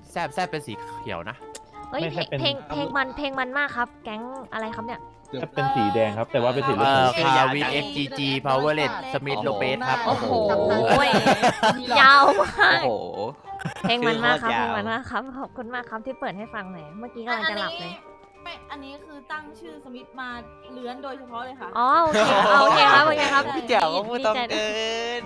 แซบเป็นสีเขียวนะเฮ้ยไม่ใช่เป็นเพลงมันมากครับ แก๊งอะไรครับเนี่ยจะเป็นสีแดงครับ แต่ว่าเป็นสีรถคาวิน XGG Powerlet Smith Lopez ครับโอ้โหโอ้ยยาวมากโอ้โหเพลงมันมากครับชื่เพลอง โคตรยาวมันมากครับขอบคุณมากครับที่เปิดให้ฟังหน่อยเมื่อกี้กำลังจะหลับเลยไม่อันนี้คือตั้งชื่อสมิธมาเลื้อนโดยเฉพาะเลยค่ะอ๋อโอเคโอเคครับโอเคครับพี่เจ๋วก็พูดต้องใจด้เกิวยน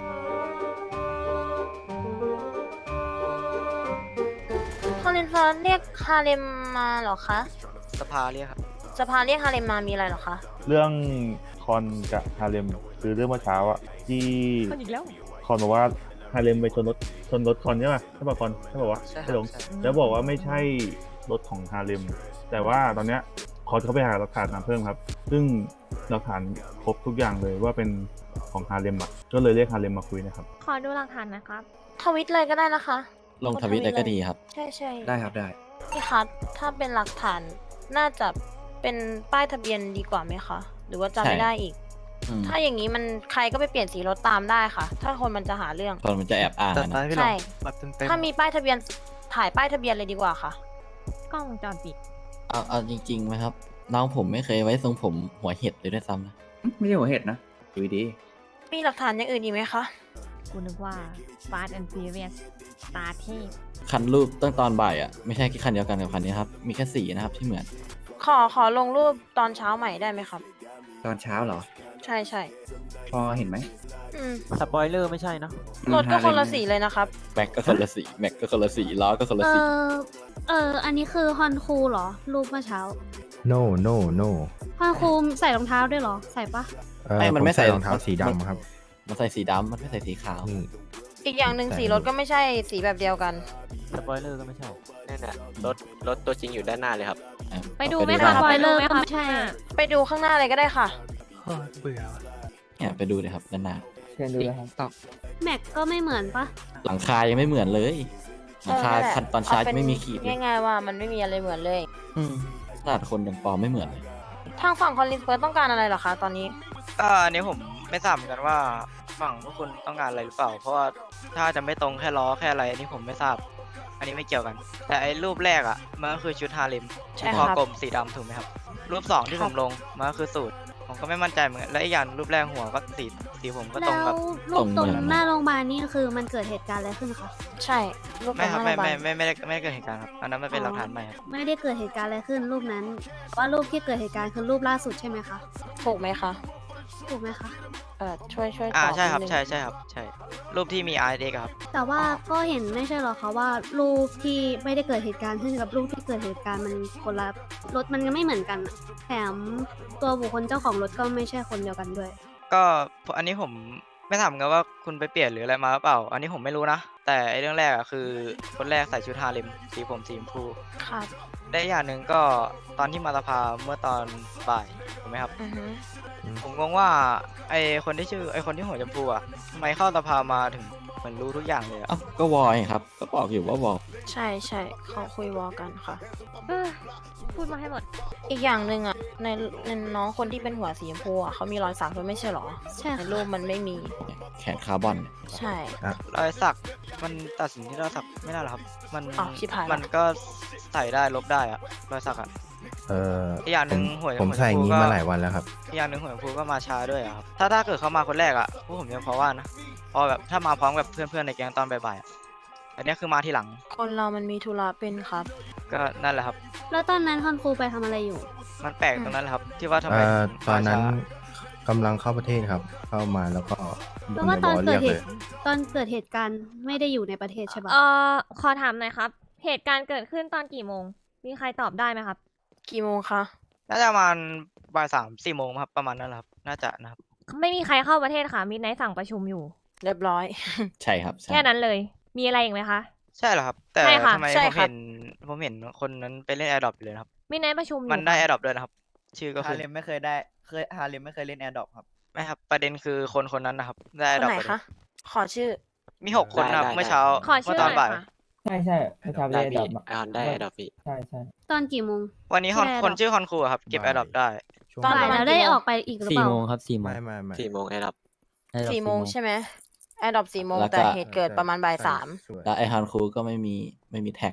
คอลินฟอร์เรียกฮาเลมมาเหรอคะสภาเรียกครับสภาเรียกฮาเลมมามีอะไรเหรอคะเรื่องคอนกับฮาเลมคือเรื่องเมื่อเช้าอะที่คนอีกแล้วคอนบอกว่าฮาเลมไปชนรถคอนใช่ป่ะใช่ป่ะคอนใช่ป่ะวะใช่ครับใช่หลงใช่แล้วบอกว่าไม่ใช่รถของฮาเลมแต่ว่าตอนเนี้ยคอนเขาไปหาหลักฐานมาเพิ่มครับ ซึ่งหลักฐานครบทุกอย่างเลยว่าเป็นของฮาเลมอะก็เลยเรียกฮาเลมมาคุยนะครับขอดูหลักฐานนะครับทวิตเลยก็ได้นะคะลงทวิตเลยก็ดีครับใช่ใช่ได้ครับได้พี่คะถ้าเป็นหลักฐานน่าจะเป็นป้ายทะเบียนดีกว่าไหมคะ หรือว่าจำไม่ใช่ได้อีกอืมถ้าอย่างนี้มันใครก็ไปเปลี่ยนสีรถตามได้ค่ะ ถ้าคนมันจะหาเรื่องคนมันจะแอบอ้างแต่อะตอนนะพี่หลงใช่แบบเต็มๆถ้ามีป้ายทะเบียนถ่ายป้ายทะเบียนเลยดีกว่าค่ะกล้องวงจรปิดเอาจริงๆไหมครับ น้องผมไม่เคยไว้ทรงผมหัวเห็ดเลยด้วยซ้ำนะไม่ใช่หัวเห็ดนะดูดีมีหลักฐานอย่างอื่นอีกไหมคะกูนึกว่า Fast and Furious ตาเทพคันรูปตั้งตอนบ่ายอ่ะ ไม่ใช่แค่คันเดียวกันกับคันนี้ครับ มีแค่สีนะครับที่เหมือนขอลงรูปตอนเช้าใหม่ได้ไหมครับตอนเช้าเหรอใช่ใช่พอเห็นไหมอืมสปอยเลอร์ไม่ใช่เนอะรถก็คนละสีเลยนะครับแม็กก็คนละสี แม็กก็คนละสี ล้อก็คนละสีอันนี้คือฮอนคูเหรอ รูปเมื่อเช้า no no no ฮอนคูใส่รองเท้าด้วยเหรอ ใส่ปะไม่มันไม่ผใส่รองเท้าสีดำครับมันใส่สีดำมันไม่ใส่สีขาวนี่อีกอย่างหนึ่งใส่สีรถก็ไม่ใช่สีแบบเดียวกันสปอยเลอร์ก็ไม่ใช่นั่นน่ะรถตัวจริงอยู่ด้านหน้าเลยครับไปดูไหมด้คะสปอยเลอร์ไปดูก็ไหมไม่ใช่ไปดูข้างหน้าเลยก็ได้ค่ะเบื่อเนี่ยไปดูเลยครับด้านหน้าเชิญดูเลยครับแม็กก็ไม่เหมือนปะหลังคายังไม่เหมือนเลย หลังคาเออนั่นแหละคันตอนเช้าเอาเป็จะนไม่มีขีดเลยง่ายๆว่ามันไม่มีอะไรเหมือนเลยขนาดคนยังปลอมไม่เหมือนเลยทางฝั่งคอนลินเฟิร์สต้องการอะไรเหรอคะตอนนี้อันนี้ผมไม่ทราบเหมือนกันว่าฝั่งพวกคุณต้องการอะไรหรือเปล่า เพราะว่าถ้าจะไม่ตรงแค่ล้อแค่อะไรอันนี้ผมไม่ทราบ อันนี้ไม่เกี่ยวกัน แต่ไอ้รูปแรกอ่ะมันก็คือชุดฮาเลมใช่คครัอบ กลมสีดำถูกไหมครับ รูปสองที่ครัผบมลงมันก็คือสูตร ผมก็ไม่มั่นใจเหมือนกันและอีกอย่างรูปแรกหัวก็สีผมก็ตแล้รงวกับรูปตรงตรงเหมือนหน้าโรงพยาบาลนี่คือมันเกิดเหตุการณ์อะไรขึ้นคะใช่รูปขไม่องครับหน้าไม่โรงพยาบาลไม่ได้เกิดเหตุการณ์ครับอันนั้นมันเป็นหลักฐานใหม่ครับไม่ได้เกิดเหตุการณ์อะไรขึ้นรูปนั้น ว่ารูปที่เกิดเหตุการณ์คือรูปล่าสุดใช่ไหมคะถูกไหมคะถูกไหมคะช่วยตอบใช่ครับนิดนึงใช่ครับใช่รูปที่มี R X ครับแต่ว่าก็เห็นไม่ใช่หรอคะว่ารูปที่ไม่ได้เกิดเหตุการณ์ขึ้นกับรูปที่เกิดเหตุการณ์มันคนละรถมันก็ไม่เหมือนกันอะแถมตัวบุคคลเจ้าของรถก็ไม่ใช่คนเดียวกันด้วยก็อันนี้ผมไม่ถามกันว่าคุณไปเปลี่ยนหรืออะไรมาหรือเปล่า อันนี้ผมไม่รู้นะ แต่ไอ้เรื่องแรกอะคือคนแรกใส่ชุดฮาเลมสีผมสีชมพูครับได้อย่างหนึ่งก็ตอนที่มาสภาเมื่อตอนบ่ายถูกไหมครับอือฮึผมงงว่าไอคนที่หัวชมพูอะทำไมเข้าสภามาถึงเหมือนรู้ทุกอย่างเลยอะเอ้าก็วอยครับ ก็บอกอยู่ว่าวอยใช่ใช่เขาคุยวอลกันค่ะเออพูดมาให้หมดอีกอย่างหนึ่งอ่ะในน้องคนที่เป็นหัวสีชมพูอ่ะเขามีรอยสักด้วยไม่ใช่เหรอใช่ในค่ะรูปมันไม่มีแขนคาร์บอนเนี่ยใช่รอยสักมันตัดสินที่รอยสักไม่ได้หรอกครับ มันอ้าวชิบหายละมันก็ใส่ได้ลบได้อะรอยสักอะ อีกอย่างหนึ่งผมหัวผมหัวใส่อย่างชมพูนี้ก็มาหลายวันแล้วครับอีกอย่างหนึ่งหัวชมพูก็มาช้าด้วยอะครับถ้าเกิดเขามาคนแรกอะพวกผมยังพอว่านะพอแบบถ้ามาพร้อมกับเพื่อนๆในแก๊งตอนบ่ายๆอะอันนี้คือมาทีหลังคนเรามันมีธุระเป็นครับก็นั่นแหละครับแล้วตอนนั้นคอนครูไปทำอะไรอยู่มันแปลกตรงนั้นแหละครับ ที่ว่าทำไมถึงตอนนั้นมาช้ากำลังเข้าประเทศครับ เข้ามาแล้วก็เพราะว่าตอนในวเกิดเหรียตุลยตอนเกิดเหตุการณ์ไม่ได้อยู่ในประเทศใช่ปะขอถามหน่อยครับ เหตุการณ์เกิดขึ้นตอนกี่โมง มีใครตอบได้ไหมครับกี่โมงคะน่าจะประมาณบ่าย3-4 โมงครับประมาณนั้นแหละครับน่าจะนะครับไม่มีใครเข้าประเทศค่ะ มีไนท์สั่งประชุมอยู่เรียบร้อยใช่ครับใช่แค่นั้นเลย มีอะไรอีกไหมคะใช่เหรอครับ แต่ใช่ค่ะทำไมใช่ผมครับเห็นคนนั้นไปเล่นแอร์ดรอปอยู่เลยนะครับมีไนท์ประชุมอยู่มันได้แอค่ะร์ดรอปด้วยนะครับ ชื่อก็ฮาคือเลมไม่เคยได้ฮาเลมไม่เคยเล่นแอร์ดรอปครับไม่ครับประเด็นคือคนนั้นนะครับได้คแอร์นดรอปไหนไปเลยคะ ขอชื่อมี6 คนนะครับเมื่อเช้าขอเมื่ชื่ออตอนหน่บ่าอยยค่ะใช่ใช่เมื่อเช้าเล่นแอร์ดรอปได้แอร์ดรอปพี่ใช่ใช่ตอนกี่โมงวันนี้ที่ได้คน drop ชื่อคอนคูอะครับเก็บแอร์ดรอปได้ช่วงตอนบ่ายประมาณแล้วได้กี่โมงออกไปอีกหรือเปล่าไม่ 4 โมงแอร์ดับสี่โมงใช่ไหมแอร์ดรอป4 โมงแล้วก็แต่เหตุเกิดประมาณบ่าย 3 สวยแล้วไอฮอนครูก็ไม่มีแท็กด้วย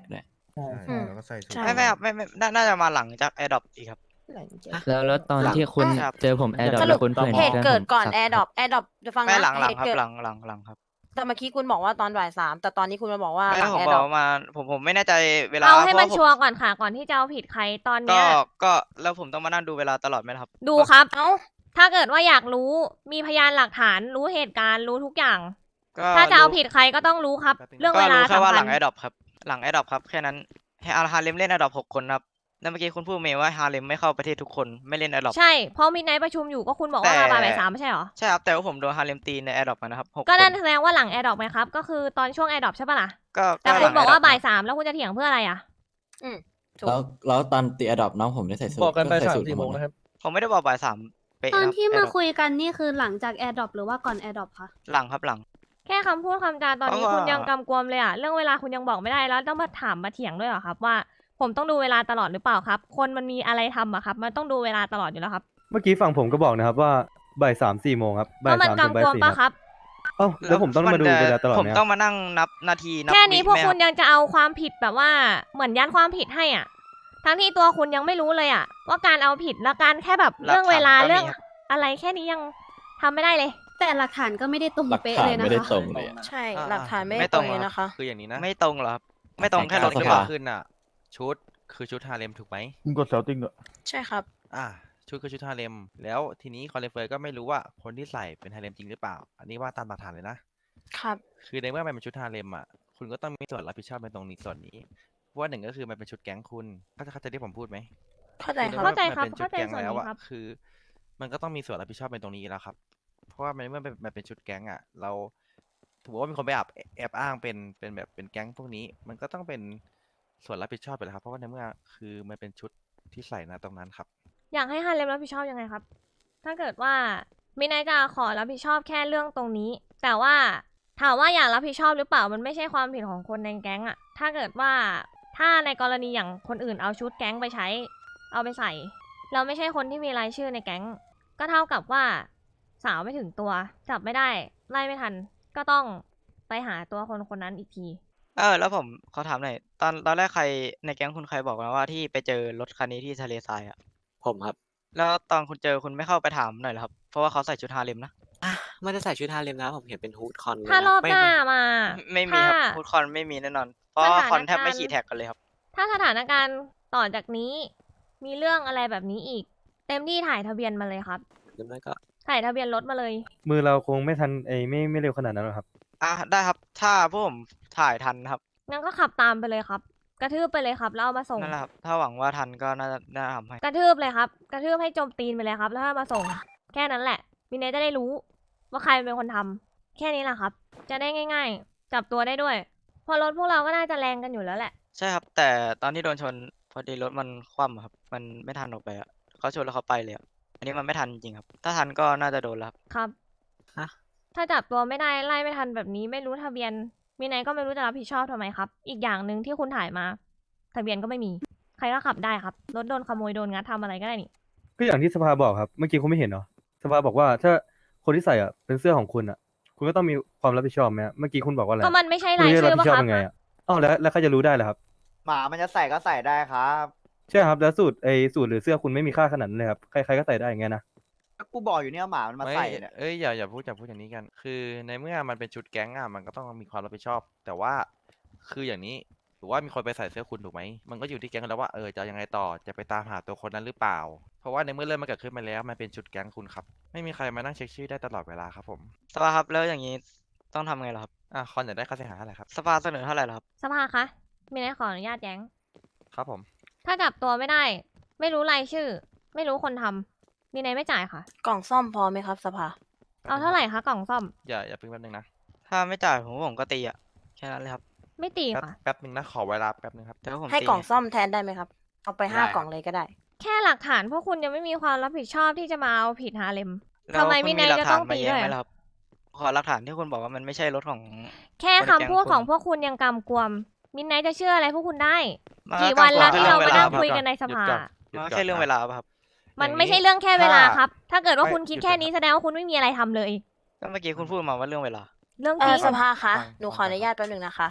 ใช่อืมแล้วก็ใส่สูตรใช่ไม่ครับไม่น่าจะมาหลังจากแอร์ดรอปอีกครับแล้วตอนที่คุณครับเจอผมแอร์ดรอปสรุแล้ปวคุณเพื่อนเหตุเกิดก่อนผมแอร์ดรอปจะฟังไม่นะหลังเหตุครับเกิดหลังครับแต่เมื่อกี้คุณบอกว่าตอนบ่าย 3แต่ตอนนี้คุณมาบอกว่าไม่หลังผมแอร์บดรออก ปมาผมไม่แน่ใจเวลาเอาให้มันพราะชัวร์ก่อนค่ะ ก่อนที่จะเอาผิดใครตอนก็เนี้ยก็แล้วผมต้องมานั่งดูเวลาตลอดไหมล่ะครับดูครับเอ้าถ้าเกิดว่าอยากรู้มีพยานหลักฐานรู้เหตุการณ์รู้ทุกอย่างก็ถ้าจะเอาผิดใครก็ต้องรู้ครับ เรื่องก็เวลารู้แค่ว่าสำหคัลัญงแอร์ดรอปครับหลังแอร์ดรอปครับแค่นั้นให้ฮาเลมเล่นแอร์ดรอป6 คนครับแล้วเมื่อกี้คุณพูดเมย์ว่าฮาเลมไม่เข้าประเทศทุกคนไม่เล่นแอร์ดรอปใช่เพราะมีไนท์ประชุมอยู่ก็คุณบอกว่ามาบ่าย 3ไม่ใช่เหรอใช่ครับแต่ว่าผมโดนฮาเลมตีในแอร์ดรอปมานะครับ6 ก็คนนั่นแสดงว่าหลังแอร์ดรอปไหมครับ ก็คือตอนช่วงแอร์ดรอปใช่ปะล่ะก็แต่หคุลัณงบอกว่า Adopt บ่าย 3แล้วคุณจะเถียงเพื่ออะไรอ่ะถูกแล้วตอนตีอดอปน้องผมได้ใส่สูตรบอกกันไปใส่ 3 สูตร 4 โมงหดนะครับผมไม่ได้บอกบ่าย 3เป๊ะตอนนะครับที่มา Adopt คุยกันนี่คือหลังจากแอร์ดรอปหรือว่าก่อนแอร์ดรอปคะหลังครับหลังแค่คำพูดคำจาตอนนี้เพราะว่าคุณยังกำกวมเลยอ่ะเรื่องเวลาคุณยังบอกไม่ได้แล้วต้องมาถามมาเถียงด้วยเหรอครับว่าผมต้องดูเวลาตลอดหรือเปล่าครับ คนมันมีอะไรทำอะครับมันต้องดูเวลาตลอดอยู่แล้วครับเมื่อกี้ฝั่งผมก็บอกนะครับว่าบ่าย3-4 โมงครับเพบ่ายราะมัน 3 ถึงบ่ายกำกวม 4 ปะคครับ รับเอ้าแล้วผมต้องมาดูเวลาตลอดผมไหมต้องมานั่งนับนาทีนับแค่นี้วิพวกไหมคุณรับยังจะเอาความผิดแบบว่าเหมือนยัดความผิดให้อ่ะ ทั้งที่ตัวคุณยังไม่รู้เลยอ่ะ ว่าการเอาผิดและการแค่แบบเรื่องเวลาเรื่องอะไรแค่นี้ยังทำไม่ได้เลยแต่หลักฐานก็ไม่ได้ตรงหลักเป๊ะฐานเลยนะไม่ได้คะตรงเลยอะใช่หลักฐานไม่ได้ตรงเลยนะคะคืออย่างนี้นะไม่ตรงเหรอครับไม่ตรงแค่รถสหรือภาเปล่าขึ้นอ่ะ ชุดคือชุดฮาเลมถูกไหมคุณกดเซลติ้งด้วยใช่ครับชุดคือชุดฮาเลมแล้วทีนี้คอนเลเฟอร์ก็ไม่รู้ว่าคนที่ใส่เป็นฮาเลมจริงหรือเปล่า อันนี้ว่าตามหลักฐานเลยนะครับคือในเมื่อมันเป็นชุดฮาเลมอ่ะคุณก็ต้องมีส่วนรับผิดชอบในตรงนี้ส่วนนี้เพราะว่าหนึ่งก็คือมันเป็นชุดแก๊งคุณเข้าใจที่ผมพูดไหมเข้าใจคในรับมื่อเข้าใจมันครับเป็นชุดเข้าใจแก๊งส่วนแล้วนี้อ่ะครับคือ มันก็ต้องมีส่วนรับผิดชอบในตรงนี้แล้วครับ เพราะว่ามันเมื่อมันเป็นชุดแก๊งอ่ะเราถือว่ามีคนไปแอบอ้างเป็นแบบเป็นแก๊งพวกนี้ มันก็ต้องเป็นส่วนรับผิดชอบไปแล้วครับเพราะว่าในเมื่อคือมันเป็นชุดที่ใส่นะตรงนั้นครับอยากให้ฮาเลมรับผิดชอบยังไงครับ ถ้าเกิดว่ามินายจะขอรับผิดชอบแค่เรื่องตรงนี้ แต่ว่าถามว่าอยากรับผิดชอบหรือเปล่ามันไม่ใช่ความผิดของคนในแก๊งอะถ้าเกิดว่าถ้าในกรณีอย่างคนอื่นเอาชุดแก๊งไปใช้เอาไปใส่ เราไม่ใช่คนที่มีรายชื่อในแก๊ง ก็เท่ากับว่าสาวไม่ถึงตัวจับไม่ได้ไล่ไม่ทัน ก็ต้องไปหาตัวคนคนนั้นอีกทีแล้วผมขอถามหน่อยตอนแรกใครในแก๊งคุณใครบอกมาว่าที่ไปเจอรถคันนี้ที่ทะเลทรายอ่ะผมครับแล้วตอนคุณเจอคุณไม่เข้าไปถามหน่อยเหรอครับเพราะว่าเขาใส่ชุดฮาเลมนะไม่ได้ใส่ชุดฮาเลมนะผมเห็นเป็นฮูดคอนถ้ารอบหน้ามาไม่มีครับถ้าพูดคอนไม่มีแน่นอน เพราะว่าคอนแทบไม่ขี่แท็กกันเลยครับถ้าสถานการณ์ต่อจากนี้ มีเรื่องอะไรแบบนี้อีก เต็มที่ถ่ายทะเบียนมาเลยครับหรือไม่ก็ถ่ายทะเบียนรถมาเลยมือเราคงไม่ทันไม่เร็วขนาดนั้นหรอกครับได้ครับ ถ้าพวกผมถ่ายทันครับงั้นก็ขับตามไปเลยครับ กระทืบไปเลยครับแล้วเอามาส่งนั่นแหละครับ ถ้าหวังว่าทันก็น่าจะทำให้กระทืบเลยครับ กระทืบให้โจมตีนไปเลยครับ แล้วเอามาส่ง แค่นั้นแหละมินเนจะได้รู้ว่าใครเป็นคนทำแค่นี้แหละครับ จะได้ง่าย ๆ จับตัวได้ด้วยเพอรถพวกเราก็น่าจะแรงกันอยู่แล้วแหละใช่ครับ แต่ตอนที่โดนชนพอดีรถมันคว่ำอะครับ มันไม่ทันออกไปอ่ะเขาชนแล้วเขาไปเลยอะอันนี้มันไม่ทันจริงๆครับ ถ้าทันก็น่าจะโดนแล้วครับครับฮะถ้าจับตัวไม่ได้ไล่ไม่ทันแบบนี้ไม่รู้ทะเบียนมินเนก็ไม่รู้จะรับผิดชอบทำไมครับ อีกอย่างหนึ่งที่คุณถ่ายมา ทะเบียนก็ไม่มี ใครก็ขับได้ครับ รถโดนขโมยโดนงัดทำอะไรก็ได้นี่ก็อย่างที่สภาบอกครับ เมื่อกี้คุณไม่เห็นเหรอ สภาบอกว่าถ้าคนที่ใส่อ่ะเป็นเสื้อของคุณอ่ะ คุณก็ต้องมีความรับผิดชอบไหมฮะเมื่อกี้คุณบอกว่าอะไรก็มันไม่ใช่คุณรายจะรับชื่อผิปะดชอบครับยังไงอ่ะอ้าวแล้วใครจะรู้ได้ล่ะครับหมามันจะใส่ก็ใส่ได้ครับใช่ครับแล้วสูตรสูตรหรือเสื้อคุณไม่มีค่าขนาดนั้นเลยครับใครๆก็ใส่ได้อย่างเงี้ยนะกูบอกอยู่เนี่ยหมามันมาใส่เนี่ยอย่าพูดอย่างนี้กัน คือในเมื่อมันเป็นชุดแก๊งอ่ะมันก็ต้องมีความรับผิดชอบ แต่ว่าคืออย่างนี้ถือว่ามีคนไปใส่เสื้อคุณถูกไหมมันก็อยู่ที่แก๊งแล้วว่าจะเอายังไงต่อจะไปตามหาตัวคนนั้นหรือเปล่า เพราะว่าในเมื่อเรื่องมันเกิดขึ้นมาแล้วมันเป็นชุดแก๊งคุณครับไม่มีใครมานั่งเช็คชื่อได้ตลอดเวลาครับผมสภาครับแล้วอย่างนี้ต้องทำไงล่ะครับคอนอยากได้ค่าเสียหายอะไรครับสภาเสนอเท่าไหร่ล่ะครับสภาคะมินเนขออนุญาตแย้งครับผมถ้าจับตัวไม่ได้ ไม่รู้รายชื่อ ไม่รู้คนทำมินเนไม่จ่ายค่ะกล่องซ่อมพอไหมครับสภาเอาเท่าไหร่คะกล่องซ่อมอย่าเพิ่งแป๊บนึงนะถ้าไม่จ่ายผมก็ตีอ่ะแค่นั้นเลยครับไม่ตีค่ะแป๊บนึงนะขอเวลาแป๊บนึงครับแต่ว่าผมให้ตีกล่องซ่อมแทนได้ไหมครับ เอาไปได้ 5 กล่องเลยก็ได้แค่หลักฐานพวกคุณยังไม่มีความรับผิดชอบที่จะมาเอาผิดฮาเลมแล้วทำไมคุณมินเนหลัจะฐาต้นองมาตีแย้งด้วยไหมล่ะครับขอหลักฐานที่คุณบอกว่ามันไม่ใช่รถของแค่คำพูดของพวกคุณยังกำกวม มินเนจะเชื่ออะไรพวกคุณได้มันกี่วันแล้วที่เรามานั่งก็คุยกันในสภามันแค่เรื่องเวลาป่ะครับมันไม่ใช่เรื่องแค่เวลาถ้าครับ ถ้าเกิดว่าไม่คุณคิดหยุดแค่ก่อนนี้แสดงว่าคุณไม่มีอะไรทำเลยก็เมื่อกี้คุณพูดมาว่าเรื่องเวลาเรื่องจริงสภาคะฟังหนูขออนุญาตแป๊บหนึงนะคะ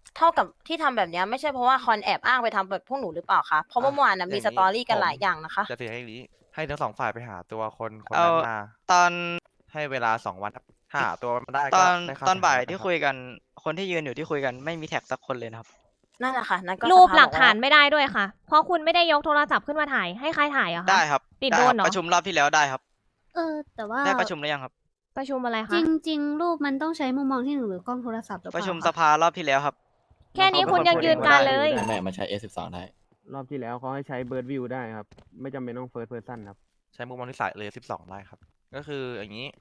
เท่ากับที่ทำแบบเนี้ยไม่ใช่เพราะว่าคอนแอบอ้างไปทำแบบพวกหนูหรือเปล่าคะเพราะว่าเมื่อวานนะมีสตอรี่กันหลายอย่างนะคะจะเสียให้นี้ให้ทั้งสองฝ่ายไปหาตัวคนคนเอานั้นมาตอนให้เวลา2 วันครับถ้าหาตัวมันได้ตก็อนได้ค่ตอนเสีบ่ายหที่รับคุยกันคนที่ยืนอยู่ที่คุยกันไม่มีแท็กสักคนเลยนะครับนั่นแหละค่ะนั่นก็รูปสภาหลักบอกว่ฐานไม่ได้ด้วยค่ะ เพราะคุณไม่ได้ยกโทรศัพท์ขึ้นมาถ่ายให้ใครถ่ายเหรอะคะได้ครับติดได้โดครันเหรอประชุมรอบที่แล้วได้ครับแต่ว่าได้ประชุมหรือยังครับประชุมอะไรจคะริง ๆ รูปมันต้องใช้มุมมองที่ 1 หรือกล้องโทรศัพท์หรือเปประล่าชุมคสภารอบที่แล้วครับแค่นี้คุณยังยืนการเลยแม่มาใช้ S12 ได้รอบที่แล้วเขาให้ใช้เบิร์ดวิวได้ครับ ไม่จำเป็นต้องเฟิร์สเพอร์ซันครับใช้มุมมองที่สายเลย12 ได้ครับ ก็คืออย่างนี้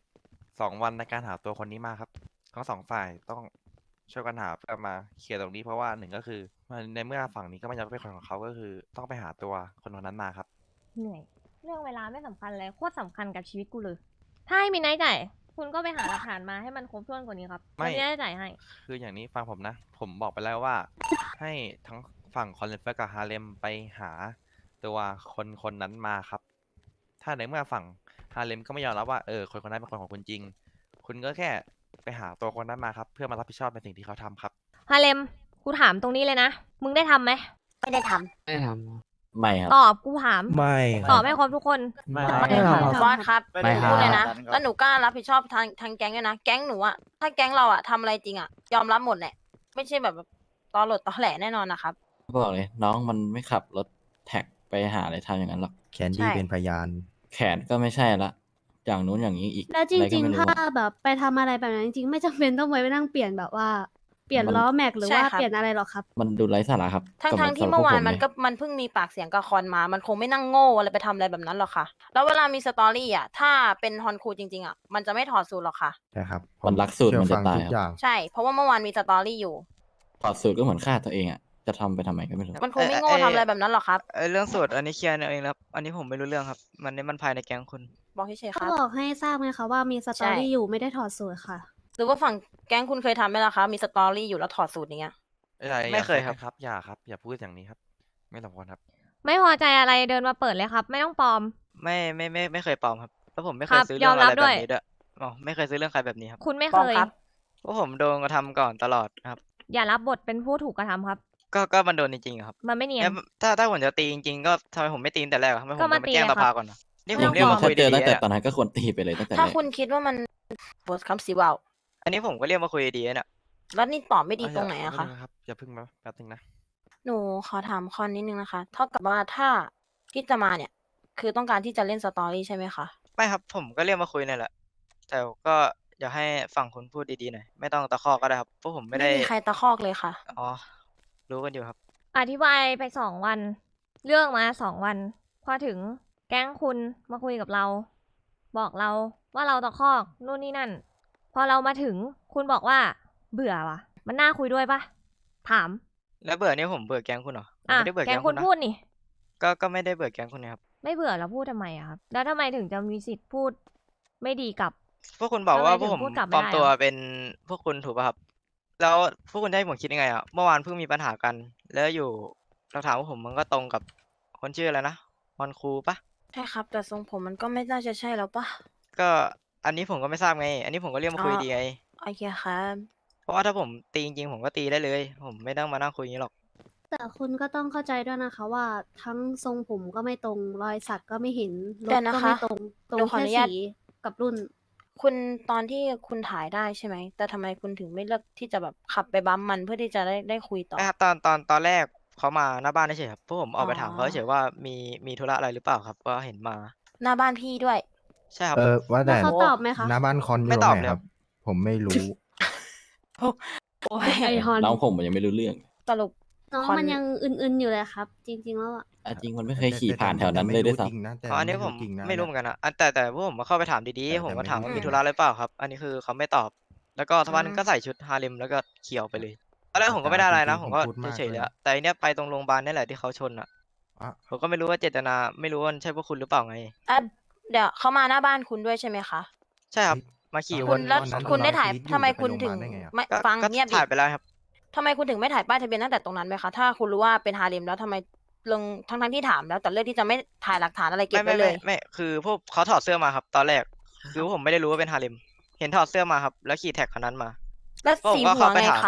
2 วันในการหาตัวคนนี้มาครับทั้ง2 ฝ่ายต้องช่วยกันหาเพื่อมาเคลียร์ตรงนี้เพราะว่า1ก็คือในเมื่อฝั่งนี้ก็ไม่ยอมเป็นคนของเขาก็คือต้องไปหาตัวคนคนนั้นมาครับเหนื่อย เรื่องเวลาไม่สำคัญเลยโคตรสำคัญกับชีวิตกูเลย ถ้าให้มีนายจ่ายคุณก็ไปหาหลักฐานมาให้มันครบถ้วนกว่านี้ครับไม่แล้วมีนายจ่ายให้คืออย่างนี้ฟังผมนะ ผมบอกไปแล้วว่า ให้ทั้งฝั่งคอนเลนเฟอร์กับฮาเลมไปหาตัวคนคนนั้นมาครับ ถ้าในเมื่อฝั่งฮาเลมก็ไม่ยอมรับว่าคนคนนั้นเป็นคนของคุณจริง คุณก็แค่ไปหาตัวคนนั้นมาครับ เพื่อมารับผิดชอบในสิ่งที่เขาทำครับฮาเลม กูถามตรงนี้เลยนะ มึงได้ทำไหมไม่ได้ทไม่ทไม่ครับตอบ กูถามไม่คตรัอบบ ให้ครบทุกคนไม่ไม่คครัรับบำบอสครับไม่ครับพูดเลยนะแล้วหนูกล้ารับผิดชอบทางแก๊งด้วยนะแก๊งหนูอะถ้าแก๊งเราอะทำอะไรจริงอะยอมรับหมดแหละไม่ใช่แบบตอหลดตอแหลแน่นอนนะครับบอกเลย น้องมันไม่ขับรถแท็กไปหาอะไรทำอย่างนั้นหรอกแคนดี้ใช่เป็นพยานแขนก็ไม่ใช่ละ อย่างนู้นอย่างนี้อีกแล้วจอะไรก็ริงไม่ๆรู้ถ้าแบบไปทำอะไรแบบนั้นจริงๆ ไม่จำเป็นต้องไปนั่งเปลี่ยนแบบว่า เปลี่ยนมันล้อแม็กหรือใช่ว่าครับเปลี่ยนอะไรหรอกครับมันดูไร้สาระครับทั้งกับทางที่สำหรับเมื่อวานพกผมันก็มันเพิ่งมีปากเสียงกับคอนมา มันคงไม่นั่งโง่อะไรไปทำอะไรแบบนั้นหรอกค่ะ แล้วเวลามีสตอรี่อ่ะ ถ้าเป็นฮอนคูจริงๆอ่ะ มันจะไม่ถอดสูตรหรอกค่ะใช่ครับมันรักสูตรเชื่อมันจะฟังตายทุกครับอย่างใช่ เพราะว่าเมื่อวานมีสตอรี่อยู่ถอดสูตรก็เหมือนฆ่าตัวเองอ่ะ จะทำไปทำไมก็ไม่รู้มันคงไม่โง่ทำอะไรแบบนั้นหรอกครับเรื่องสูตรอันนี้เคลียร์เองครับ อันนี้ผมไม่รู้เรื่องครับ มันภายในแก๊งคุณบอกเฉยๆคก็รับบอกให้ทราบไงคะว่ามีสตอรี่อยู่ไม่ได้ถอดสูตรค่ะหรือว่าฝั่งแก๊งคุณเคยทำไหมล่ะคะมีสตอรี่อยู่แล้วถอดสูตรอย่างเงี้ยไม่เคยครับครับ อย่าครับ อย่าพูดอย่างนี้ครับ ไม่สมควรครับไม่พอใจอะไรเดินมาเปิดเลยครับ ไม่ต้องปลอมไม่เคยปลอมครับแล้วผมไม่เคครัยบซื้อเรื่องยอมรัอะบไรแบด้วยบนี้ด้วยอ๋อไม่เคยซื้อเรื่องใครแบบนี้ครับคุณไม่ปลเคอมยครับเพราะผมโดนกระทำก่อนตลอดครับอย่ารับบทเป็นผู้ถูกกระทำครับก็มันโดนจริงๆอะครับมันไม่เนียนแล้วถ้าผมจะตีจริงๆก็ทำไมผมไม่ตีตั้งแต่แรกอะทำไมผมก็มาต้องไปแจ้งตีสอะครับภาก่อนนะนี่ไม่ผต้มองเรียกฟ้มาองคุยถ้าเจอดีตั้งๆแต่อะตอนนั้นก็ควรตีไปเลยตั้งแต่ถ้าแรกคุณคิดว่ามันโพสคำสิเว่าอันนี้ผมก็เรียกมาคุยดีๆเนี่ยแล้วนี่ตอบไม่ดีตรงไหนอะคะครับอย่าพึ่งมาแป๊บนึงนะหนูขอถามคอนนิดนึงนะคะ เท่ากับว่าถ้าที่จะมาเนี่ย คือต้องการที่จะเล่นสตอรี่ใช่ไหมคะไม่ครับผมก็เรียกมาคุยนี่แหละ แต่ก็อยากให้ฝั่งคุณพูดดีๆหน่อยไม่ต้องตะคอกก็ได้ครับเพราะผมไม่ได้มีใครตะคอกเลยค่ะอ๋อรู้กันอยู่ครับอธิบายไป2 วัน เรื่องมา2 วัน พอถึงแก๊งคุณมาคุยกับเรา บอกเราว่าเราตะคอกนู่นนี่นั่น พอเรามาถึงคุณบอกว่า เบื่อว่ะ มันน่าคุยด้วยปะถามแล้วเบื่อนี่ผมเบื่อแก๊งคุณเหรอผมอ่ะไม่ได้เบื่อแก๊แก๊งงคุคุณ ณนะพูดนี่ก็ไม่ได้เบื่อแก๊งคุณนะครับไม่เบื่อแล้วพูดทำไมอะครับ แล้วทำไมถึงจะมีสิทธิ์พูดไม่ดีกับพวกคุณบอกว่าทำไมพวกผมถึงพูดกลับไม่ปลอมได้ตัวอะเป็นพวกคุณถูกป่ะครับ แล้วพวกคุณจะให้ผมคิดยังไงอ่ะเมื่อวานเพิ่งมีปัญหากัน แล้วอยู่หลักฐานว่าผมมันก็ตรงกับคนชื่ออะไรนะมอนคูปะใช่ครับ แต่ทรงผมมันก็ไม่น่าจะใช่แล้วปะก็อันนี้ผมก็ไม่ทราบไง อันนี้ผมก็เรียกมาคุยอ๋อดีไงโอเคครับเพราะว่าถ้าผมตีจริงๆผมก็ตีได้เลย ผมไม่ต้องมานั่งคุยอย่างนี้หรอกแต่คุณก็ต้องเข้าใจด้วยนะคะว่าทั้งทรงผมก็ไม่ตรงรอยสักก็ไม่เห็นรเดี๋ถยวนะก็คะไม่ตรงตรหนูงขออแค่นุญาตสีกับรุ่นคุณตอนที่คุณถ่ายได้ใช่ไหม แต่ทำไมคุณถึงไม่เลือกที่จะแบบขับไปบัมมันเพื่อที่จะได้คุยต่อนะครับตอนแรกเขามาหน้าบ้านเฉยๆครับพวกผมออกไปถามอ๋อเขาเฉยๆว่ามีธุระอะไรหรือเปล่าครับก็เห็นมาหน้าบ้านพี่ด้วยใช่ครับว่าแต่แล้วเขาตอบไหมคะหน้าบ้านคอนอไม่ยู่ตอบไหนเลยคครัรับ บ ผมไม่รู้โอ้ยไอฮอนน้องผมมันยังไม่รู้เรื่องสรุปน้องคอนมันยังอึนๆอยู่เลยครับ จริง ๆ แล้วอะอ่ะจริงมันไม่เคยขี่ผ่านแถวนั้นเลยด้วยซ้จริงนะแต่อ๋ออันนี้ผมจริงนะไม่รู้เหมือนกันนะแต่พวกผมมาเข้าไปถามดีแต่ๆ ผมก็ไม่ถามว่ารู้มีธุระอะไรเปล่าครับ อันนี้คือเขาไม่ตอบ แล้วก็ทักวันก็ใส่ชุดฮาเลมแล้วก็เขียวไปเลยตอนแรกผมก็ไม่ได้อะไรนะ ผมก็พูดมากเฉยๆเลยเลยอะแต่อันเนี้ยไปตรงโรงพยาบาลนี่แหละที่เขาชนอ่ะอ่ะผมก็ไม่รู้ว่าเจตนาไม่รู้ว่าใช่พวกคุณหรือเปล่าไงอ่ะเดี๋ยวเขามาหน้าบ้านคุณด้วยใช่ไหมคะใช่ครับมาขี่คุณแล้วตอนนั้นคุณได้เราถ่ายคิดอยู่ทำไมจะไปคุณถึงโรงพยาบาลได้ไงอะไม่ก็ฟังก็เงียบดิถ่ายไปแล้วครับทำไมคุณถึงไม่ถ่ายป้ายทะเบียนตั้งแต่ตรงนั้นไหมคะ ถ้าคุณรู้ว่าเป็นฮาเลมแล้วทำไมลงทั้งที่ถามแล้วแต่เลือกที่จะไม่ถ่ายหลักฐานอะไรเก็บไว้เลยไม่คือพวกเขาถอดเสื้อมาครับ ตอนแรกคือผมไม่ได้รู้ว่าเป็นฮาเลมเห็นถอดเสื้อมาครับ แล้วขี่แท็กคันนั้นมาแล้วผมสีก็หัวเข้าไปไงถามคะ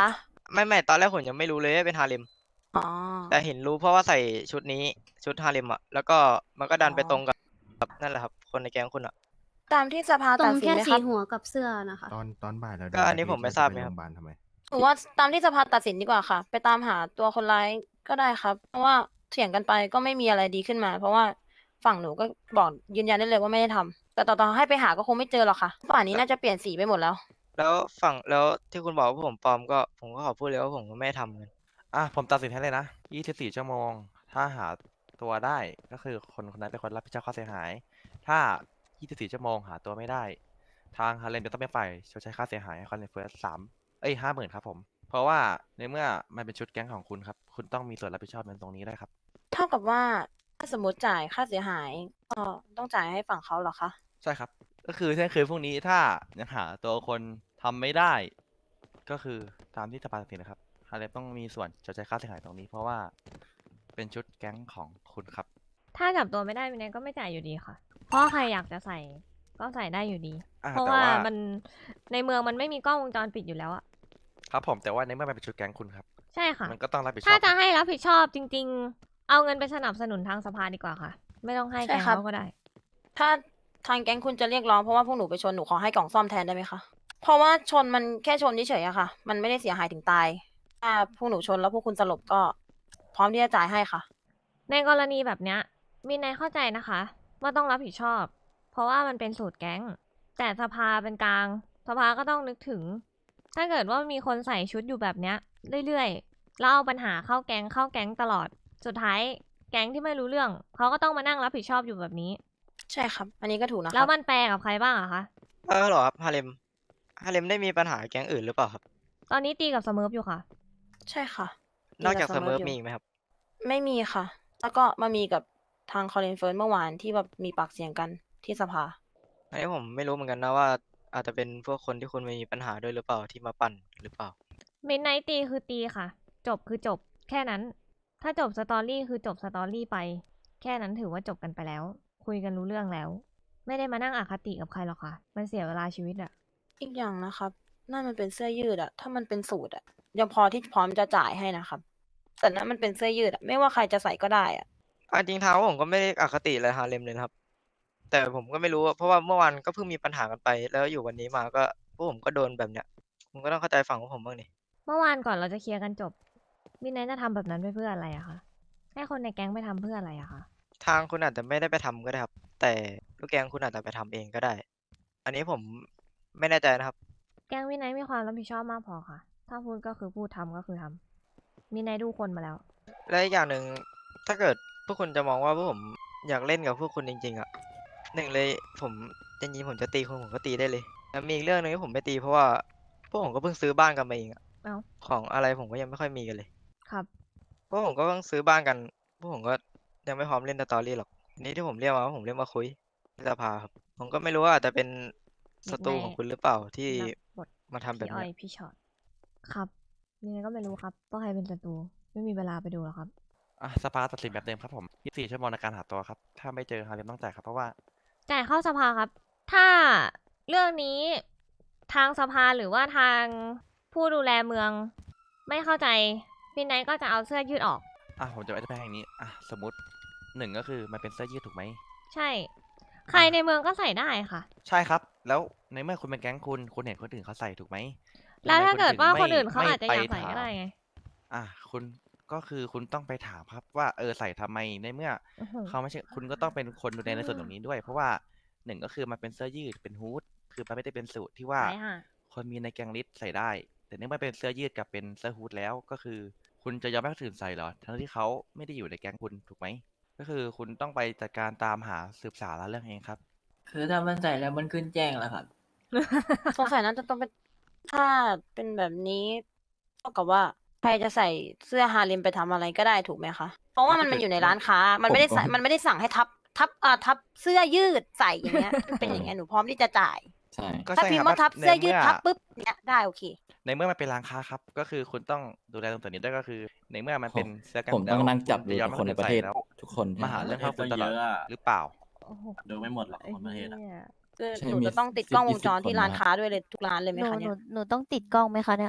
ไม่ตอนแรกผมยังไม่รู้เลยว่าเป็นฮาเลมอ๋อแต่เห็นรู้เพราะว่าใส่ชุดนี้ชุดฮาเลมอะแล้วก็มันก็ดันไปตรงกับนั่นแหละครับคนในแก๊งคุณอะตามที่สภาตรตัดงสินแค่ไหมสีครับหัวกับเสื้อนะคะตอนบ่ายเราก็อันนี้ผมไม่ทราบไหมครับโงพยาบาลทำไมหรือว่าตามที่สภาตัดสินดีกว่าค่ะ ไปตามหาตัวคนร้ายก็ได้ครับ เพราะว่าเถียงกันไปก็ไม่มีอะไรดีขึ้นมา เพราะว่าฝั่งหนูก็บอกยืนยันได้เลยว่าไม่ได้ทำแต่ต่อให้ไปหาก็คงไม่เจอหรอกค่ะป่านนี้น่าจะเปลี่ยนสีไปหมดแล้วแล้วฝั่งแล้วที่คุณบอกว่าผมปลอมก็ผมก็ขอพูดเลยว่าผมก็ไม่ได้ทำเงินผมตัดสินให้เลยนะ24 ชั่วโมง ถ้าหาตัวได้ก็คือคนคนนั้นเป็นคนรับผิดชอบค่าเสียหาย ถ้า 24 ชั่วโมงหาตัวไม่ได้ ทางฮาเลมจะต้องเป็นฝ่ายชดใช้ค่าเสียหายให้คอนเฟิร์ส50,000ครับผม เพราะว่าในเมื่อมันเป็นชุดแก๊งของคุณครับ คุณต้องมีส่วนรับผิดชอบในตรงนี้ด้วยครับเท่ากับว่าถ้าสมมติจ่ายค่าเสียหายก็ต้องจ่ายให้ฝั่งเขาเหรอคะใช่ครับ ก็คือเที่ยงคืนพรุ่งนี้ถ้ายังหาตัวคนทำไม่ได้ ก็คือตามที่สภาตัดสินนะครับฮาเลมต้องมีส่วนชดใช้ค่าเสียหายตรงนี้ เพราะว่าเป็นชุดแก๊งของคุณครับถ้าจับตัวไม่ได้วินัยก็ไม่จ่ายอยู่ดีค่ะ เพราะใครอยากจะใส่ก็ใส่ได้อยู่ดี เพราะแต่ว่าว่ามันในเมืองมันไม่มีกล้องวงจรปิดอยู่แล้วอะครับผมแต่ว่าในเมื่อมันเป็นชุดแก๊งคุณครับใช่ค่ะมันก็ต้องรับผิดชอบถ้าจะให้รับผิดชอบจริง ๆ เอาเงินไปสนับสนุนทางสภาดีกว่าค่ะ ไม่ต้องให้ใช่แกงครับเขาก็ได้ถ้าทางแก๊งคุณจะเรียกร้องเพราะว่าพวกหนูไปชนหนูขอให้กล่องซ่อมแทนได้ไหมคะ เพราะว่าชนมันแค่ชนเฉยๆอะค่ะ มันไม่ได้เสียหายถึงตาย ถ้าพวกหนูชนแล้วพวกคุณสลบก็ พร้อมที่จะจ่ายให้ค่ะในกรณีแบบเนี้ยวินัยเข้าใจนะคะว่าต้องรับผิดชอบ เพราะว่ามันเป็นสูตรแก๊ง แต่สภาเป็นกลาง สภาก็ต้องนึกถึง ถ้าเกิดว่ามีคนใส่ชุดอยู่แบบเนี้ยเรื่อยๆแล้วเอาปัญหาเข้าแก๊งตลอด สุดท้ายแก๊งที่ไม่รู้เรื่องเขาก็ต้องมานั่งรับผิดชอบอยู่แบบนี้ใช่ครับ อันนี้ก็ถูกนะคแล้รัวบมันแปลกับใครบ้างอะคะเหรอครับฮาเลมได้มีปัญหาแก๊งอื่นหรือเปล่าครับตอนนี้ตีกับเสเมิร์ฟอยู่ค่ะใช่ค่ะนอกจากมีเสแต่มออยู่มีอีกไหมครับไม่มีค่ะ แล้วก็มามีกับทางคอลินเฟิร์นเมื่อวานที่แบบมีปากเสียงกันที่สภาอันนี้ผมไม่รู้เหมือนกันนะว่า อาจจะเป็นพวกคนที่คุณมีปัญหาด้วยหรือเปล่าที่มาปั่นหรือเปล่ามิดไนท์ตีคือตีค่ะ จบคือจบ แค่นั้น ถ้าจบสตอรี่คือจบสตอรี่ไป แค่นั้นถือว่าจบกันไปแล้ว คุยกันรู้เรื่องแล้ว ไม่ได้มานั่งอคติกับใครหรอกค่ะ มันเสียเวลาชีวิตอะอีกอย่างนะครับนั่นมันเป็นเสื้อยืดอะถ้ามันเป็นสูทอะยังพอที่พร้อมจะจ่ายให้นะครับ แต่นั่นมันเป็นเสื้อยืดอะไม่ว่าใครจะใส่ก็ได้อะจริงทางผมก็ไม่ได้อคติอะไรฮาเลมเลยนะครับ แต่ผมก็ไม่รู้อะเพราะว่าเมื่อวานก็เพิ่งมีปัญหากันไป แล้วอยู่วันนี้มาก็พวกผมก็โดนแบบเนี้ยผมก็ต้องเข้าใจฝั่งของผมบ้างนี่เมื่อวานก่อนเราจะเคลียร์กันจบ มิดไนท์จะทำแบบนั้นไปเพื่ออะไรอะคะ ให้คนในแก๊งไปทำเพื่ออะไรอะคะทางคุณอาจจะไม่ได้ไปทำก็ได้ครับ แต่ลูกแกงคุณอาจจะไปทำเองก็ได้ อันนี้ผมไม่แน่ใจนะครับแก๊งมิดไนท์มีความรับผิดชอบมากพอค่ะ ถ้าพูดก็คือพูดทำก็คือทำมิดไนท์ดูคนมาแล้วและอีกอย่างหนึ่งถ้าเกิดพวกคุณจะมองว่าพวกผมอยากเล่นกับพวกคุณจริงๆอ่ะหนึ่งเลยผมจริงๆผมจะตีคุณผมก็ตีได้เลยแล้วมีอีกเรื่องหนึงที่ผมไม่ตีเพราะว่าพวกผมก็เพิ่งซื้อบ้านกันมาเองอะเอ้าของอะไรผมก็ยังไม่ค่อยมีกันเลยครับพวกผมก็เพิ่งซื้อบ้านกันพวกผมก็ยังไม่พร้อมเล่นสตอรี่หรอกนี่ที่ผมเรียกมาว่าผมเรียกมาคุยที่สภาครับผมก็ไม่รู้ว่าอาจจะเป็นศัตรูของคุณหรือเปล่าที่รับบทมาทำแบบพี่อ้อยเนี้ยพี่ช็อต ครับมิดไนท์ก็ไม่รู้ครับว่าใครเป็นศัตรู ไม่มีเวลาไปดูหรอกครับสภาตัดสินแบบเดิมครับผม24 ชั่วโมงในการหาตัวครับ ถ้าไม่เจอฮาเลมต้องจ่ายครับ เพราะว่าจ่ายเข้าสภาครับ ถ้าเรื่องนี้ทางสภาหรือว่าทางผู้ดูแลเมือง ไม่เข้าใจมิดไนท์ก็จะเอาเสื้อยืดออกผมจะอธิบายอย่างนี้ สมมติหนึ่งก็คือมันเป็นเสื้อยืดถูกไหมใช่ ใครในเมืองก็ใส่ได้ค่ะใช่ครับ แล้วในเมื่อคุณเป็นแก๊งคุณเห็นคนอื่นเขาใส่ถูกไหมแล้วถ้าทำไมเกิดว่าถึงคนอื่นเขาไม่อาจจะอยากไปใส่ก็ได้ไงคุณก็คือคุณต้องไปถามครับว่าใส่ทำไมในเมื่ออื้อหือเขาไม่ใช่คุณก็ต้องเป็นคนดูแลในส่วนตรงนี้ด้วย เพราะว่าหนึ่งก็คือมันเป็นเสื้อยืดเป็นฮู้ดคือมันไม่ได้เป็นสูทที่ว่าใช่ค่ะคนมีในแกงลิสใส่ได้ แต่เนื่องจากเป็นเสื้อยืดกับเป็นเสื้อฮู้ดแล้วก็คือ คุณจะยอมให้คนอื่นใส่เหรอทั้งที่เขาไม่ได้อยู่ในแก๊งคุณถูกไหมก็คือคุณต้องไปจัดการตามหาสืบสาวราวเรื่องเองครับคือถ้ามันใส่แล้วมันขึ้นแจ้งแล้วครับสงสัยน่าจะต้องเป็นถ้าเป็นแบบนี้เท่ากับว่าใครจะใส่เสื้อฮาเลมไปทำอะไรก็ได้ถูกไหมคะ เพราะว่ามันอยู่ในร้านค้า มันไม่ได้ใส่มันไม่ได้สั่งให้ทับเสื้อยืดใส่อย่างเงี้ย เป็นอย่างเงี้ยหนูพร้อมที่จะจ่ายใช่ก็ถ้าใช่พิมคพ์รับว่าทับเสื้อยืดในมื่ทับปุ๊บเนี้ยได้โอเคในเมื่อมันเป็นร้านค้าครับ ก็คือคุณต้องดูแลตรงส่วนนี้ด้วยก็คือ ในเมื่อมันเป็นเสื้อกันผมต้องนั่งจับคุณดูจะยอมกับให้คนในประเทศแล้วทุกคนมาหาเรื่องใช่เข้าคุณตลอดเยอะอะหรือเปล่าโอ้โหดูไม่หมดหรอกไอ้คนประเทศอะเหี้ยคือใช่หนูมีจะต้องติด 10 กล้องวงจร 20 ที่คนร้านนะค้าด้วยเลยทุกร้านเลยไหมหนูคะหเนี่นูยหนูต้องติดกล้องไหมคะเนี่ย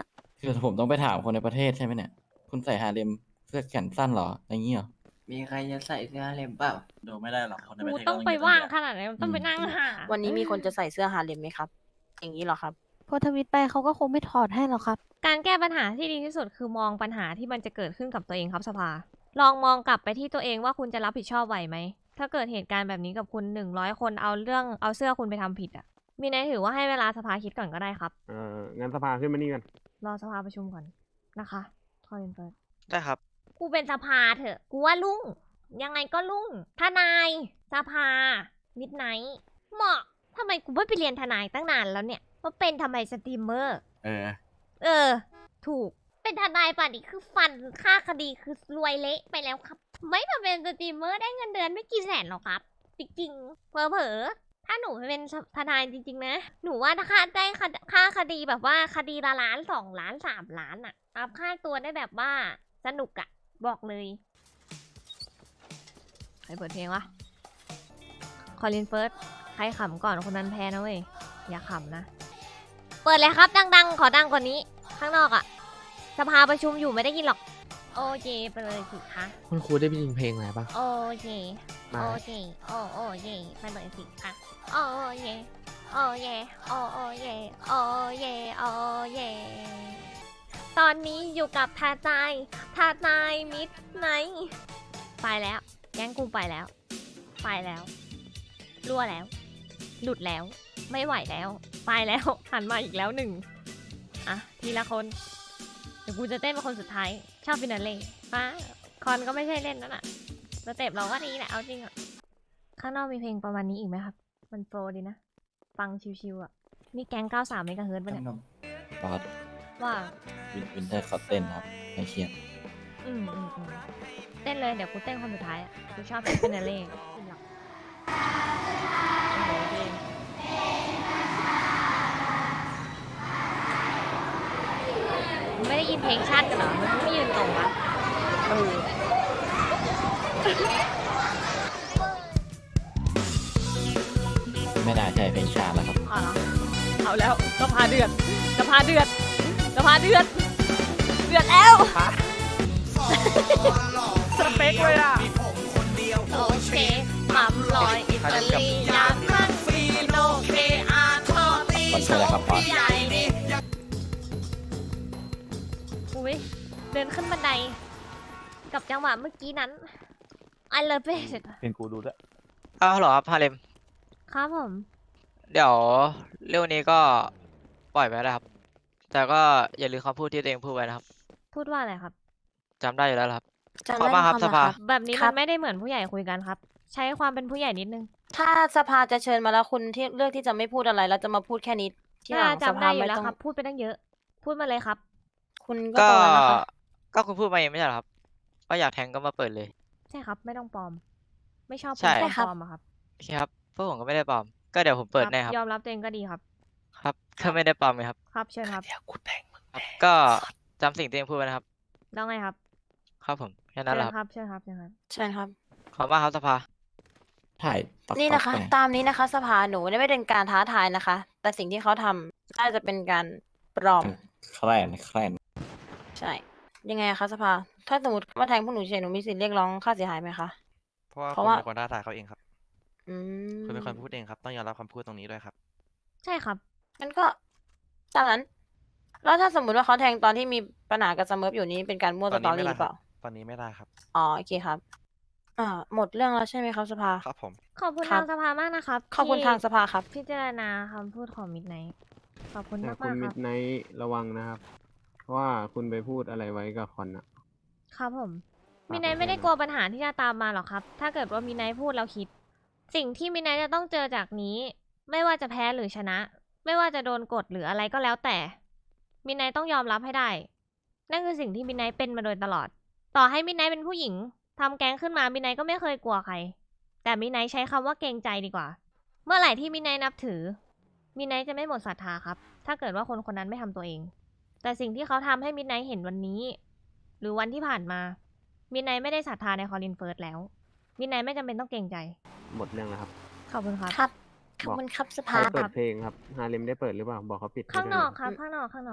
คือผมต้องไปถามคนในประเทศใช่ไหมเนี่ย คุณใส่ฮาเลมเสื้อแขนสั้นเหรออย่างนี้เหรอมีใครจะใส่เสื้อฮาเลมเปล่าดูไม่ได้หรอกคนในปกูระเทศต้องไปว่างขนาดไหนต้องไปนั่งหาวันนี้มีคนจะใส่เสื้อฮาเลมไหมครับ อย่างนี้เหรอครับพอทวิตไปเขาก็คงไม่ถอดให้หรอกครับการแก้ปัญหาที่ดีที่สุดคือมองปัญหาที่มันจะเกิดขึ้นกับตัวเองครับสภา ลองมองกลับไปที่ตัวเองว่าคุณจะรับผิดชอบไหวไหม ถ้าเกิดเหตุการณ์แบบนี้กับคุณ100 คนเอาเสื้อคุณไปทำผิดอ่ะ มีนายถือว่าให้เวลาสภาคิดก่อนก็ได้ครับงั้นสภาขึ้นมานี่กันรอสภาประชุมก่อนนะคะคอยเปิดได้ครับกูเป็นสภาเถอะ กูว่าลุ่ง ยังไงก็ลุ่ง ทนาย สภา มิดไนท์เหมาะทำไมกูไม่ไปเรียนทนายตั้งนานแล้วเนี่ยว่าเป็นทำไมสตรีมเมอร์ เออ ถูก เป็นทนายป่ะนี่คือฟันค่าคดีคือรวยเละไปแล้วครับ ไม่มาเป็นสตรีมเมอร์ได้เงินเดือนไม่กี่แสนหรอกครับ จริงๆเผลอๆถ้าหนูเป็นทนายจริงๆนะ หนูว่าถ้าค่าได้ค่าคดีแบบว่าคดีละ1 ล้าน 2 ล้าน 3 ล้านอะอัพค่าตัวได้แบบว่าสนุกอะบอกเลยใครเปิดเพลงวะคอลินเฟิร์สใครขำก่อนคนนั้นแพ้นะเว้ยอย่าขำนะ เปิดเลยครับดังๆ ขอดังกว่านี้ ข้างนอกอะสภาประชุมอยู่ไม่ได้ยินหรอก โอเคไปเลยสิคะคุณครูได้ยินเพลงอะไรป่ะโอเค โอเค โอเคไปเลยสิคะโอเค โอเค โอเค โอเค โอเค ตอนนี้อยู่กับทนายมิดไนท์ไปแล้ว แก๊งกูไปแล้ว ไปแล้ว รั่วแล้ว หลุดแล้ว ไม่ไหวแล้ว ไปแล้ว หันมาอีกแล้ว1อ่ะ ทีละคน เดี๋ยวกูจะเต้นเป็นคนสุดท้าย ชอบฟินาเล่ป้าคอนก็ไม่ใช่เล่นนั่นน่ะสเต็ปเราก็ดีแหละ เอาจริงอ่ะ ข้างนอกมีเพลงประมาณนี้อีกไหมครับ มันโปรดีนะ ฟังชิวๆอ่ะ นี่แก๊ง93เมกะเฮิร์ตซ์ปะเนี่ยบอสว่าวินเทอร์เขาเต้นครับไม่เครียดอืมเต้นเลย เดี๋ยวกูเต้นคนสุดท้ายอ่ะ กูชอบฟินาเล่หรอกโอ้โหเพลงไม่ได้ยินเพลงชาติกันเหรอ มันไม่ยืนตรงอ่ะไม่น่าใช่เพลงชาติแล้วครับเอาแล้วสภาเดือดเดือดแล้วสเปกเลยอ่ะโอเคมัมลอยอิตาลียานมันฟีโนเคอาร์ทอตีมันคืออะไรครับบอสใหญ่ดิอุ้ยเดินขึ้นบันไดกับจังหวะเมื่อกี้นั้น I love it เป็นกูดูด้วยอ้าวเหรอครับฮาเลมครับผมเดี๋ยวเรื่องนี้ก็ปล่อยไปแล้วครับ แต่ก็อย่าลืมคำพูดที่ตัวเองพูดไว้นะครับพูดว่าอะไรครับจำได้อยู่แล้วครับจำขอบได้มากครับไหมสภาแบบนี้ครัมับนไม่ได้เหมือนผู้ใหญ่คุยกันครับ ใช้ความเป็นผู้ใหญ่นิดนึงถ้าสภาจะเชิญมาแล้วคุณที่เลือกที่จะไม่พูดอะไรแล้วจะมาพูดแค่นี้ที่หลังสจำภาได้อยู่ไม่แล้วต้องครับ พูดไปตั้งเยอะ พูดมาเลยครับคุณก็ก็ตรงนั้นนะคะก็คุณพูดมาเองไม่ใช่เหรอครับว่าอยากแทงก็มาเปิดเลยใช่ครับ ไม่ต้องปลอม ไม่ชอบใช่คนปลอมอะครับโอเคครับพวกผมก็ไม่ได้ปลอม ก็เดี๋ยวผมเปิดแน่ครับยอมรับตัวเองก็ดีครับครับก็ไม่ได้ปลอมไงครับครับเชิญครับครับ ก็จำสิ่งที่ตัวเองพูดไว้นะครับแล้วไงครับครับผมแค่นั้นแหละเชิญครับเชิญครับเชิญครับเชิญครับขอบมากครับสภาถ่ายต๊อกนี่ต๊อกนะคะไปตามนี้นะคะ สภาหนูไม่ได้เป็นการท้าทายนะคะ แต่สิ่งที่เขาทำน่าจะเป็นการปลอมแคลนใช่ ยังไงอะคะสภา ถ้าสมมติว่าแทงพวกหนูเฉยหนูมีสิทธิ์เรียกร้องค่าเสียหายไหมคะเพราะว่าเพราะคุณว่าเป็นคนท้าทายเขาเองครับอืมคุณเป็นคนพูดเองครับ ต้องยอมรับคำพูดตรงนี้ด้วยครับใช่ครับงั้นก็ตามนั้น แล้วถ้าสมมติว่าเขาแทงตอนที่มีปัญหากับสเมิร์ฟอยู่นี้เป็นการมั่วตสอนตอนี้ไม่รี่หได้รือเปครัล่าบ ตอนนี้ไม่ได้ครับอ๋อโอเคครับ หมดเรื่องแล้วใช่ไหมครับสภาครับผมขอบคุณครัทาบงสภามากนะครับขอบคุณที่ทางสภาครับพิจารณาคำพูดของมิดไนท์ขอบคุณแต่มากคุณมากคมิรับดไนท์ระวังนะครับ เพราะว่าคุณไปพูดอะไรไว้กับคอนอะครับผมฝากมิดไนท์ไว้ไม่ได้ด้วยนะกลัวปัญหาที่จะตามมาหรอกครับ ถ้าเกิดว่ามิดไนท์พูดแล้วคิด สิ่งที่มิดไนท์จะต้องเจอจากนี้ ไม่ว่าจะแพ้หรือชนะ ไม่ว่าจะโดนกดหรืออะไรก็แล้วแต่ มิดไนท์ต้องยอมรับให้ได้ นั่นคือสิ่งที่มิดไนท์เป็นมาโดยตลอด ต่อให้มิดไนท์เป็นผู้หญิงทำแก๊งขึ้นมามิดไนท์ก็ไม่เคยกลัวใคร แต่มิดไนท์ใช้คำว่าเกรงใจดีกว่า เมื่อไหร่ที่มิดไนท์นับถือ มิดไนท์จะไม่หมดศรัทธาครับ ถ้าเกิดว่าคนคนนั้นไม่ทำตัวเอง แต่สิ่งที่เขาทำให้มิดไนท์เห็นวันนี้ หรือวันที่ผ่านมา มิดไนท์ไม่ได้ศรัทธาในคอลินเฟิร์สแล้ว มิดไนท์ไม่จำเป็นต้องเกรงใจหมดเรื่องแล้วครับขอบคุณครับครับ ขอบคุณครับสใครภาเปิดเพลงครับ ฮาเลมได้เปิดหรือเปล่า บอกเขาปิดให้ข้างด้วยนอกนะครับ ข้างนอก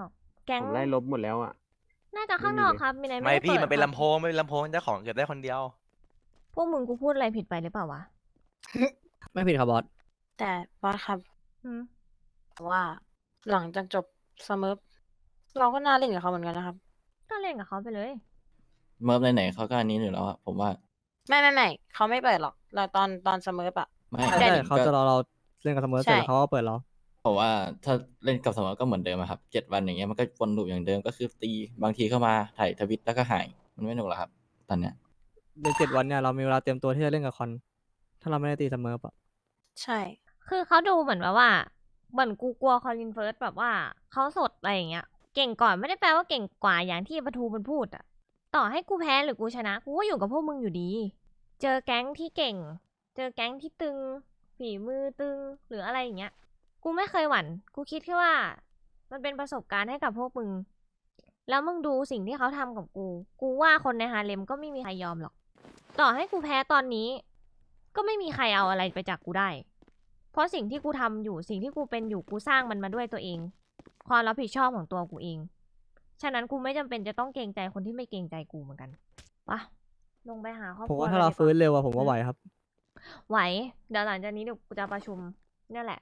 แก๊งผมไล่ลบหมดแล้วอ่ะน่าจะข้างนอกครับมีไหนไม่ด้พี่ปิดมันเป็นครับลำโพงไม่เป็นลำโพงเจ้าของเก็บได้คนเดียวพวกมึงกูพูดอะไรผิดไปหรือเปล่าวะไม่ผิดครับบอสแต่บอสครับอืมว่าหลังจากจบสมิร์ฟเราก็น่าเล่นกับเขาเหมือนกันนะครับก็เล่นกับเขาไปเลยเมิร์ฟไหนๆเขาก็อันนี้อยู่แล้วอะผมว่าไม่เขาไม่เปิดหรอกเราตอนสมิร์ฟอะไม่ใช่เขาจะรอเราเล่นกับเสมอเสร็จแล้วเขาก็เปิดเราผมว่าถ้าเล่นกับสมอก็เหมือนเดิมอะครับ7 วันอย่างเงี้ยมันก็วนลูปอย่างเดิมก็คือตีบางทีเข้ามาถ่ายทวิตแล้วก็หายมันไม่หนุกหรอกครับตอนเนี้ยใน7 วันเนี่ยเรามีเวลาเตรียมตัวที่จะเล่นกับคอน ถ้าเราไม่ได้ตีเสมอปะใช่คือเขาดูเหมือนแบบว่าเหมือนกูกลัวคอลินเฟิร์สแบบว่าเขาสดอะไรอย่างเงี้ย เก่งก่อนไม่ได้แปลว่าเก่งกว่าอย่างที่ปทูมันพูดอะต่อให้กูแพ้หรือกูชนะกูก็อยู่กับพวกมึงอยู่ดี เจอแก๊งที่เก่ง เจอแก๊งที่ตึง ฝีมือตึงหรืออะไรอย่างเงี้ย กูไม่เคยหวั่น กูคิดแค่ว่า มันเป็นประสบการณ์ให้กับพวกมึง แล้วมึงดูสิ่งที่เขาทำกับกู กูว่าคนในฮาเลมก็ไม่มีใครยอมหรอก ต่อให้กูแพ้ตอนนี้ ก็ไม่มีใครเอาอะไรไปจากกูได้ เพราะสิ่งที่กูทำอยู่ สิ่งที่กูเป็นอยู่ กูสร้างมันมาด้วยตัวเอง ความรับผิดชอบของตัวกูเอง ฉะนั้นกูไม่จำเป็นจะต้องเกรงใจคนที่ไม่เกรงใจกูเหมือนกันปะลงไปหาครอบคผรัมวว่าถ้าเราลยดีกฟื้นเร็วอะผมว่าไหวครับไหว เดี๋ยวหลังจากนี้เดี๋ยวกูจะประชุมนี่แหละ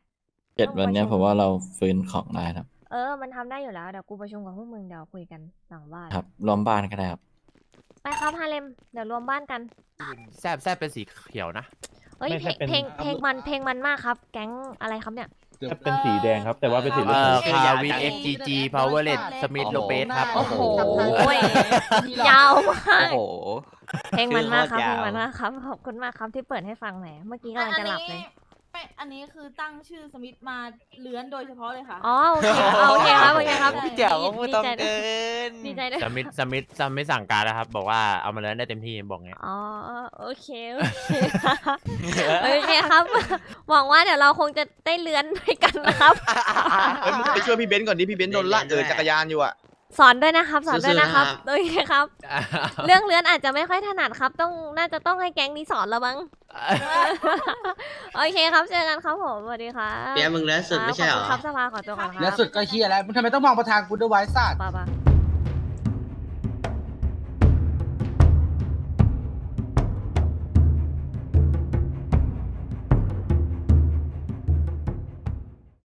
7 วันเนี้ยผมว่าเราฟื้นของได้ครับมันทำได้อยู่แล้ว เดี๋ยวกูประชุมกับพวกมึงเดี๋ยวคุยกันหลังบ้านครับรวมบ้านก็ได้ครับไปครับฮาเลม เดี๋ยวรวมบ้านกันแซบเป็นสีเขียวนะเอ้ยไม่เพใช่ลงเป็นเพลงมันมากครับ แก๊งอะไรครับเนี่ยเป็นสีแดงครับ แต่ว่าเป็นสีเอ่เหลืองอคาวิน XGG Powerlet สมิธโลเปสครับโอ้โหโอ้ยยาวมากโอ้โหเพลงมันมากครับชื่เพลอง โคตรยาวมันมากครับ ขอบคุณมากครับที่เปิดให้ฟังแหม เมื่อกี้กำลังจะหลับเลยอันนี้คือตั้งชื่อสมิธมาเลื้อนโดยเฉพาะเลยค่ะอ๋อโอเคโอเคครับโอเคครับพี่เจ๋วก็พูดตรงดีใจด้เกิวยนดีใจด้วยสมิธสั่งการแล้วครับ บอกว่าเอามาเล่นได้เต็มที่บอกไงอ๋อโอเคโอเคโอเคครับ หวังว่าเดี๋ยวเราคงจะได้เลื้อนด้วยกันนะครับไปช่วยพี่เบนซ์ก่อนดิพี่เบนซ์โดนลากจักรยานอยู่อ่ะสอนด้วยนะครับ สอนด้วยนะครับสู้ๆนะครับโอเคครับ เรื่องเลื้อนอาจจะไม่ค่อยถนัดครับ น่าจะต้องให้แก๊งนี้สอนแล้วมั้ง โอเคครับเจอกันครับผมสวัสดีครับเปียมึงแล้วสุดไม่ใช่เหรอขอบคุณครับสภาขอตัวก่อนครับแล้วสุดก็เฮียแล้วมึงทำไมต้องมองประธานกูด้วยไว้สัตว์ป่ะ